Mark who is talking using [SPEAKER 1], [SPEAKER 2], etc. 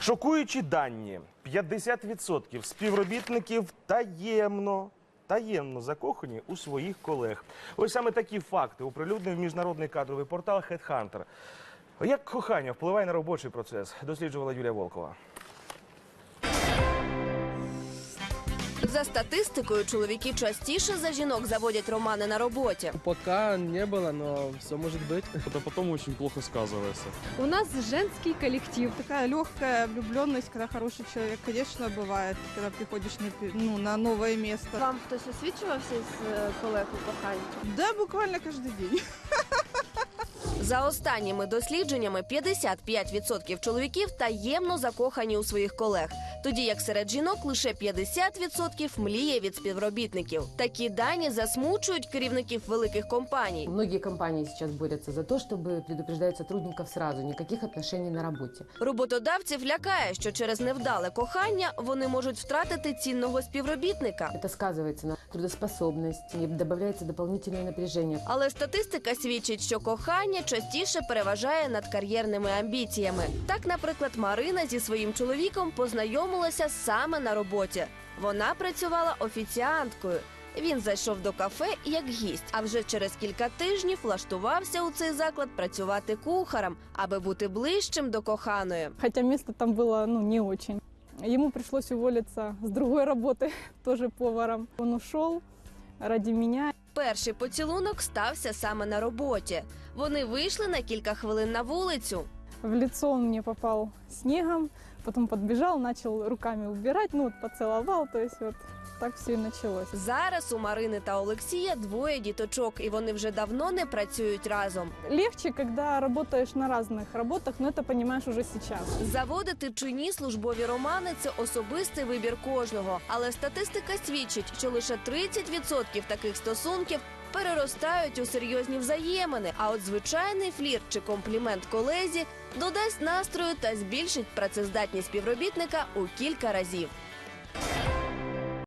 [SPEAKER 1] Шокуючі дані. 50% співробітників таємно закохані у своїх колег. Ось саме такі факти оприлюднив міжнародний кадровий портал HeadHunter. Як кохання впливає на робочий процес, досліджувала Юлія Волкова.
[SPEAKER 2] За статистикою, чоловіки частіше за жінок заводять романи на роботі.
[SPEAKER 3] Пока не было, но все может быть.
[SPEAKER 4] Это потом очень плохо сказывается.
[SPEAKER 5] У нас женский коллектив. Такая легкая влюбленность, когда хороший человек, конечно, бывает, когда приходишь на новое место.
[SPEAKER 6] Вам хтось освічувався з колег у коханні?
[SPEAKER 5] Да, буквально каждый день.
[SPEAKER 2] За останніми дослідженнями, 55% чоловіків таємно закохані у своїх колег, тоді як серед жінок лише 50% мліє від співробітників. Такі дані засмучують керівників великих компаній.
[SPEAKER 7] Многие компании сейчас борются за то, чтобы предупреждать сотрудников сразу, никаких отношений на работе.
[SPEAKER 2] Роботодавців лякає, що через невдале кохання вони можуть втратити цінного співробітника.
[SPEAKER 7] Это сказывается на трудоспособности, добавляется дополнительное напряжение.
[SPEAKER 2] Але статистика свідчить, що кохання частіше переважає над кар'єрними амбіціями. Так, наприклад, Марина зі своїм чоловіком познайомилася саме на роботі. Вона працювала офіціанткою. Він зайшов до кафе як гість, а вже через кілька тижнів влаштувався у цей заклад працювати кухарем, аби бути ближчим до коханої.
[SPEAKER 8] Хотя место там было, не очень. Ему пришлось уволиться с другой работы, тоже поваром. Он ушел ради меня.
[SPEAKER 2] Перший поцілунок стався саме на роботі. Вони вийшли на кілька хвилин на вулицю.
[SPEAKER 8] В лицо он мне попал снегом, потом подбежал, начал руками убирать, поцеловал, то есть вот так все и началось.
[SPEAKER 2] Зараз у Марини та Олексія двоє діточок, і вони вже давно не працюють разом.
[SPEAKER 8] Легче, когда работаешь на разных работах, но это понимаешь уже сейчас.
[SPEAKER 2] Заводити чи ні службові романи – це особистий вибір кожного. Але статистика свідчить, що лише 30% таких стосунків переростають у серйозні взаємини. А от звичайний флірт чи комплімент колезі додасть настрою та збільшить працездатність співробітника у кілька разів.